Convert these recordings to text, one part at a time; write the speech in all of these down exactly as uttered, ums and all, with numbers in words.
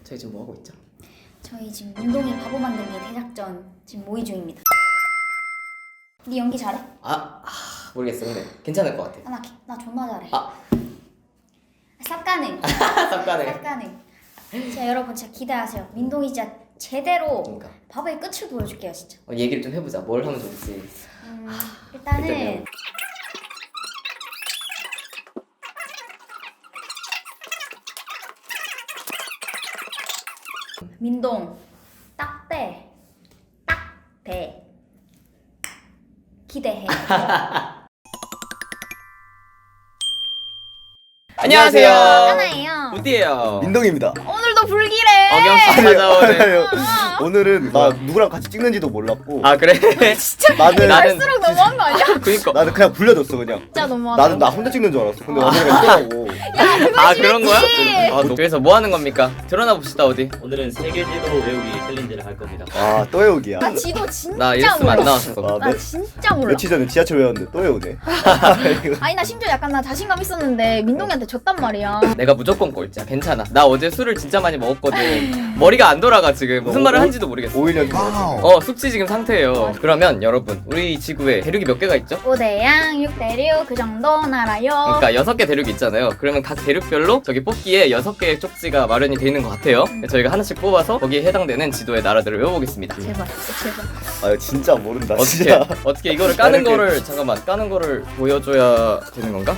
저희 지금 뭐 하고 있죠? 저희 지금 운동이 바보 만들기 대작전 지금 모의 중입니다. 네 연기 잘해? 아, 아 모르겠어. 근데 괜찮을 것 같아. 아, 나, 나 존나 잘해. 아. 쌉 가능. 쌉 가능. 쌉 가능. 자 여러분 진짜 기대하세요. 민동이 진짜 제대로 그러니까. 바보의 끝을 보여줄게요 진짜. 어, 얘기를 좀 해보자. 뭘 하면 좋을지. 음, 일단은 일단은. 민동 딱대 딱대 기대해. 안녕하세요. 하나예요. 우디예요. 민동입니다. 오늘도 불길해. 어김없이 찾아오는. 아니요. 오늘은 나 누구랑 같이 찍는지도 몰랐고 아 그래? 진짜 나는 나는 갈수록 너무한 거 아니야? 그니까. 나는 그냥 불려줬어 그냥. 진짜 너무하다. 나는 나 혼자 찍는 줄 알았어. 근데 언니가 있더라고. 아 그런 거야? 아, 너- 그래서 뭐 하는 겁니까? 드러나 봅시다 어디. 오늘은 세계지도 외우기 챌린지를 할 겁니다. 아 또 외우기야. 나 지도 진짜 나 이랬으면 안 몰라. 나왔어. 아, 나 며, 진짜 몰라. 며칠 전에 지하철 외웠는데 또 외우네. 아니 나 심지어 약간 나 자신감 있었는데 민동이한테 졌단 말이야. 내가 무조건 꼴찌야. 괜찮아. 나 어제 술을 진짜 많이 먹었거든. 머리가 안 돌아가 지금. 무슨 말을 한지도 모르겠어. 오일 년 전에. 어 숙취 지금 상태예요. 그러면 여러분 우리 지구에 대륙이 몇 개가 있죠? 오 대양 육 대륙 그 정도는 알아요. 그러니까 여섯 개 대륙이 있잖아요. 그러면 각 대륙별로 저기 뽑기에 여섯 개의 쪽지가 마련이 돼 있는 것 같아요. 저희가 하나씩 뽑아서 거기에 해당되는 지도의 나라들을 외워보겠습니다. 제발 제발. 아 이거 진짜 모른다. 어떻게 진짜. 어떻게 이거를 까는 이렇게- 거를 잠깐만 까는 거를 보여줘야 되는 건가?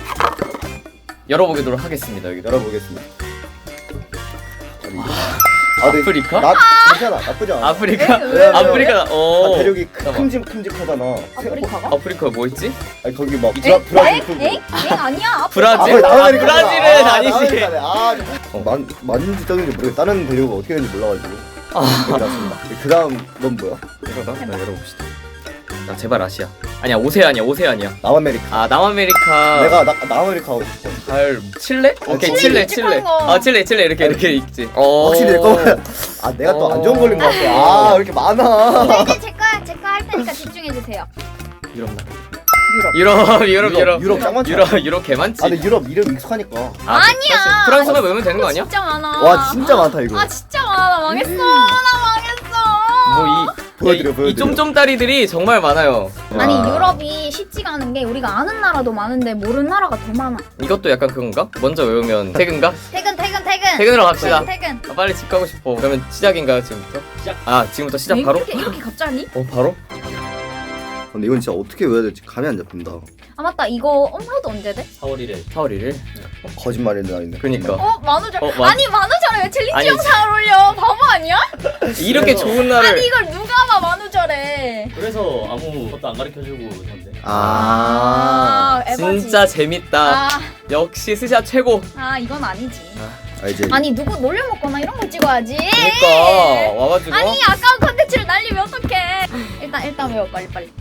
열어보도록 하겠습니다. 여기 열어보겠습니다. 아니, 이거- 아, 근데 아프리카? 나 괜찮아. 나쁘지 않아. 아프리카? 왜, 왜, 왜? 아프리카. 아, 어. 대륙이 잠깐만. 큼직큼직하잖아. 아프리카가? 아프리카 뭐 있지? 아니 거기 막 에? 브라, 엥? 브라질 쪽. 엥? 엥? 아니야. 아프리카. 브라질? 아, 거기 아, 남아메리카구나. 브라질은 아, 아니지. 남아메리카네. 아, 어, 만 맞는지 떠는지 모르겠어. 다른 대륙은 어떻게 되는지 몰라가지고. 아. 그렇습니다. 그 다음 넌 뭐야? 이거다. 나 열어봅시다. 나 제발 아시아. 아니야 오세아니야 오세아니야. 남아메리카. 아 남아메리카. 내가 나 남아메리카 하고 싶어. 잘 칠레? 오케이 칠레 칠레 칠레. 찝찝한 거. 아 칠레 칠레 이렇게 이렇게 있지. 어. 확실히 내 거면. 아 내가 또 안 좋은 걸린 것 같아. 아 왜 이렇게 많아. 이제 제 거야 제 거 할 테니까 집중해 주세요. 유럽 나. 유럽. 유럽 유럽 유럽 유럽 짱 많지. 유럽 유럽 개 많지. 아 근데 유럽 이름 익숙하니까. 아, 아니야. 사실 프랑스만 외우면 되는 거 아니야? 진짜 많아. 와 진짜 많다 이거. 아 진짜 많아. 나 망했어. 나 망했어. 뭐이 보여드려, 이 보여드려. 쫌쫌따리들이 정말 많아요. 아니 와. 유럽이 쉽지가 않은 게 우리가 아는 나라도 많은데 모르는 나라가 더 많아. 이것도 약간 그건가? 먼저 외우면 퇴근가? 퇴근 퇴근 퇴근. 퇴근으로 갑시다. 퇴근. 아, 빨리 집 가고 싶어. 그러면 시작인가요 지금부터? 시작. 아 지금부터 시작 왜 바로? 이렇게 이렇게 갑자기? 네. 어 바로? 근데 이건 진짜 어떻게 외워야 될지 감이 안 잡힌다. 아 맞다 이거 업로드 언제 돼? 사월 일일. 사월 일일? 어, 거짓말인데 아닌데. 그니까. 어 만우절. 어, 만- 아니 만우절에 왜 챌린지 아니, 영상을 올려? 바보 아니야? 이렇게 그래서- 좋은 날을 아니 이걸 누가 봐 만우절에. 그래서 아무것도 안 가르쳐주고 한대. 아, 아, 에바지. 진짜 재밌다. 아, 역시 스샷 최고. 아 이건 아니지. 아 이제 아니 누구 놀려먹거나 이런 걸 찍어야지. 그러니까 와가지고 아니 아까운 컨텐츠를 날리면 어떡해. 일단 일단 외워 빨리 빨리.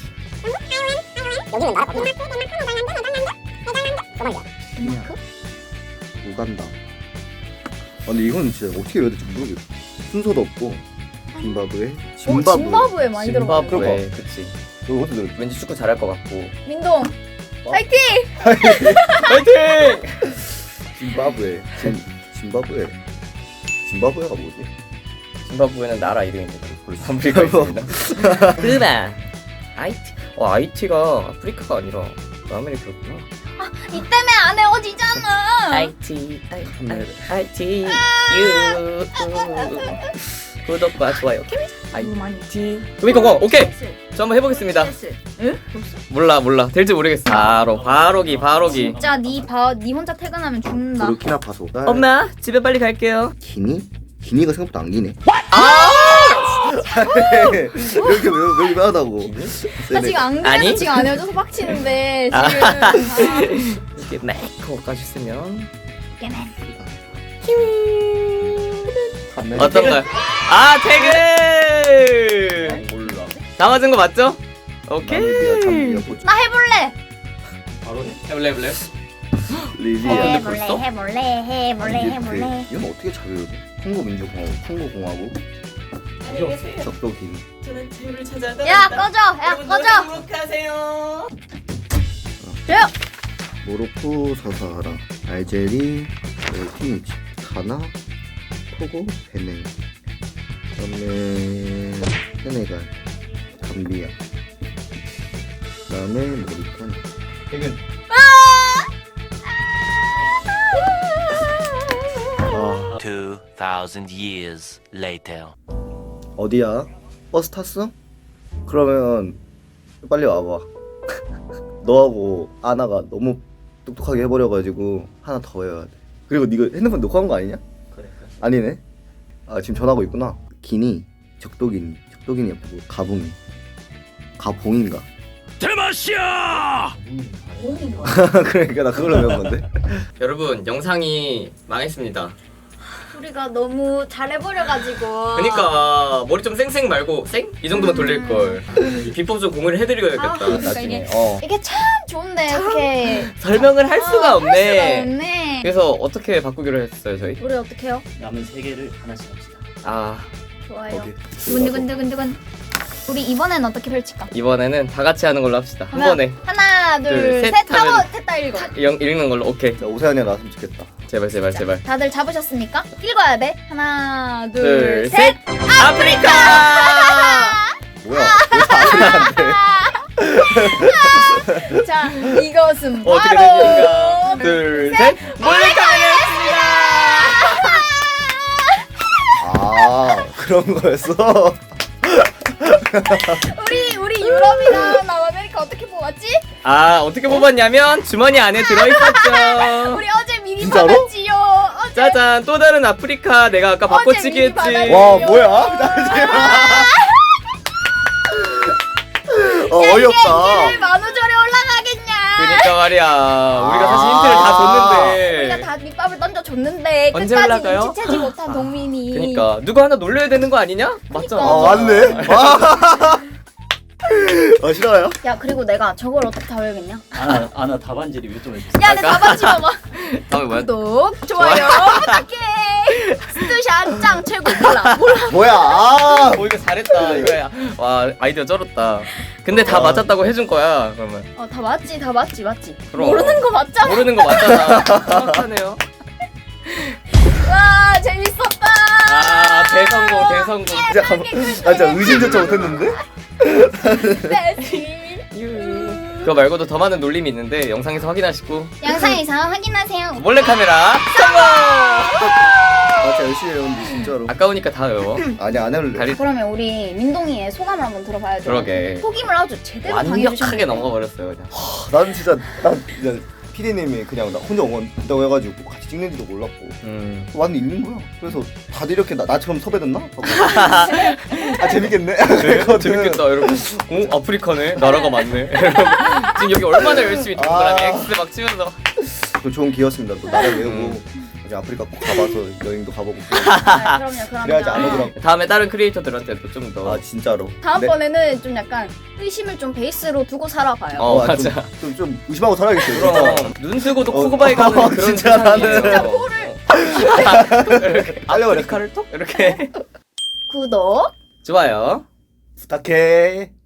덴마크? 우간다. 아, 근데 이건 진짜 어떻게 외워야 될지 모르겠어. 순서도 없고. 짐바브웨. 어, 짐바브웨. 짐바브웨 많이 들어가. 짐바브웨 그치. 이거 어떻게 들어? 왠지 축구 잘할 것 같고. 민동. 어? 파이팅! 파이팅! 짐바브웨. 짐 짐바브웨. 짐바브웨가 뭐지? 짐바브웨는 나라 이름인데 벌써 아프리카 있습니다. 그나 아이티. 어 아이티가 아프리카가 아니라 남아메리카구나. 이 때문에 안 헤어지잖아. 아이티 아이티 유 구독과 좋아요. 이거 많이. 아이티 도미공공 오케이. 저 한번 해보겠습니다. 응? 몰라 몰라 될지 모르겠어. 바로 바로기 바로기. 진짜 니봐니 혼자 퇴근하면 죽는다. 부르키나파소. 엄마 집에 빨리 갈게요. 기니? 기니가 생각보다 안 기네. 아! 이렇게 외우 외우기 하다고. 나 지금 안 그래도 아니? 지금 안 헤어져서 빡치는데 아. 지금. 아. 이렇게 메이크업까지 쓰면 깨맨. 어떤가요? 아 퇴근. 몰라. 다 맞은 거 맞죠? 오케이. 나 해볼래. 바로 해. 해볼래 해볼래. 리비아. 근데 해볼래 벌써? 해볼래 해볼래 이집트. 해볼래. 이건 어떻게 잘 외우지? 콩고 민주공화국, 콩고 공화국, 적도 기니. 저는 자유를 찾아. 야 꺼져 야 꺼져. 행복하세요. 야. 모로코, 사사하라, 알제리, 네, 튀니지, 가나, 토고, 베냉. 그다음에 세네갈, 감비아. 그다음에 모리타니. 퇴근. 아, Two thousand years later. 어디야? 버스 탔어? 그러면 빨리 와봐. 너하고 아나가 너무 똑똑하게 해버려가지고 하나 더 외워야 돼. 그리고 네가 핸드폰 놓고 한 거 아니냐? 그래. 아니네. 아 지금 전화하고 있구나. 기니, 적도기니, 적도기니 예쁘고 가붕이, 가봉인가? 대마시아! 그러니까 나 그걸로 외운 건데. 여러분 영상이 망했습니다. 우리가 너무 잘해버려가지고. 그러니까 머리 좀 쌩쌩 말고 쌩? 이 정도만 돌릴 걸. 비법 좀 공유를 해드려야겠다. 아, 그러니까 나중에. 이게- 어. 이게 참 좋은데 이렇게 설명을 할 수가 아, 없네. 할 수가 없네. 그래서 어떻게 바꾸기로 했어요 저희? 우리 어떻게 해요? 남은 세 개를 하나씩 합시다. 아 좋아요. 거기. 두근두근두근두근. 우리 이번엔 어떻게 펼칠까? 이번에는 다 같이 하는 걸로 합시다. 한 하나, 번에 하나, 둘, 둘, 셋 셋 하고 하면- 셋다 읽어. 영, 읽는 걸로. 오케이. 자 오세환이가 나왔으면 좋겠다. 제발 제발 제발. 다들 잡으셨습니까? 읽어야 돼. 하나, 둘, 둘, 셋. 셋. 아프리카. 뭐야? 왜다안 돼? 자, 이것은 어, 어떻게 바로 됩니까? 둘, 셋. 몰래카메라였습니다. 아 그런 거였어? 우리 우리 유럽이랑 남아메리카 어떻게 뽑았지? 아 어떻게 뽑았냐면 주머니 안에 들어있었죠. 우리 어제 미리 진짜로? 받았지요. 어제 짜잔 또 다른 아프리카. 내가 아까 어제 바꿔치기 미리 했지. 받았지. 와 뭐야? 어 어이없다. 이게 만우절에 올라가겠냐? 그러니까 말이야. 우리가 사실 힌트를 다 줬는데. 우리가 다 밑밥을 던져줬는데 언제 끝까지 올라가요? 눈치채지 못한 동민이. 그러니까 누구 하나 놀려야 되는 거 아니냐? 맞잖아. 아 맞네. 와. 아 싫어요? 야 그리고 내가 저걸 어떻게 다 외우겠냐? 아나 아나 답안지 리뷰 좀 해주세요. 야 내 답안 집어봐. 다음에 뭐야? 구독 좋아요 부탁해. 스투샷 짱 최고 몰라 몰라. 뭐야? 아. 오 이거 잘했다. 이거야. 와 아이디어 쩔었다. 근데 다 와. 맞았다고 해준 거야. 그러면 어 다 맞지 다 맞지 맞지. 그럼. 모르는 거 맞잖아. 모르는 거 맞잖아. 정확하네요. 와 재밌었다. 아 대성공 대성공. 진짜 감- 아 진짜 의심조차 못했는데? 베스트. 그거 말고도 더 많은 놀림이 있는데 영상에서 확인하시고 영상에서 확인하세요. 몰래카메라 성공. 아 진짜 열심히 해왔는데 진짜로. 아까우니까 다 외워. 아니 안 할래. 다리 그러면 우리 민동이의 소감을 한번 들어봐야죠. 그러게. 속임을 아주 제대로 완벽하게 당해주셨네요. 넘어버렸어요 그냥. 난 진짜 난 진짜 피디님이 그냥 나 혼자 응원한다고 해가지고 같이 찍는지도 몰랐고 음. 완전 있는 거야. 그래서 다들 이렇게 나, 나처럼 섭외됐나? 하고. 아 재밌겠네. 그랬거든. 재밌겠다 이러고. 어 아프리카네. 나라가 많네. 지금 여기 얼마나 열심히 동그라미 아. X 막 치면서. 또 좋은 기회였습니다. 또 나라 외우고 음. 이제 아프리카 꼭 가봐서 여행도 가보고. 아, 그럼요 그럼요. 그래야지 안 오더라고. 다음에 다른 크리에이터들한테도 좀 더. 아 진짜로. 다음번에는 좀 약간 의심을 좀 베이스로 두고 살아봐요. 어, 아, 맞아. 좀, 좀, 좀 의심하고 살아야겠어요. 그럼 진짜. 눈 뜨고도 어, 코고바이 가는 어, 그런 진짜 세상이에요. 나는- 진짜 코를. 이렇게 아프리카를 톡 이렇게 구독. 좋아요. 부탁해.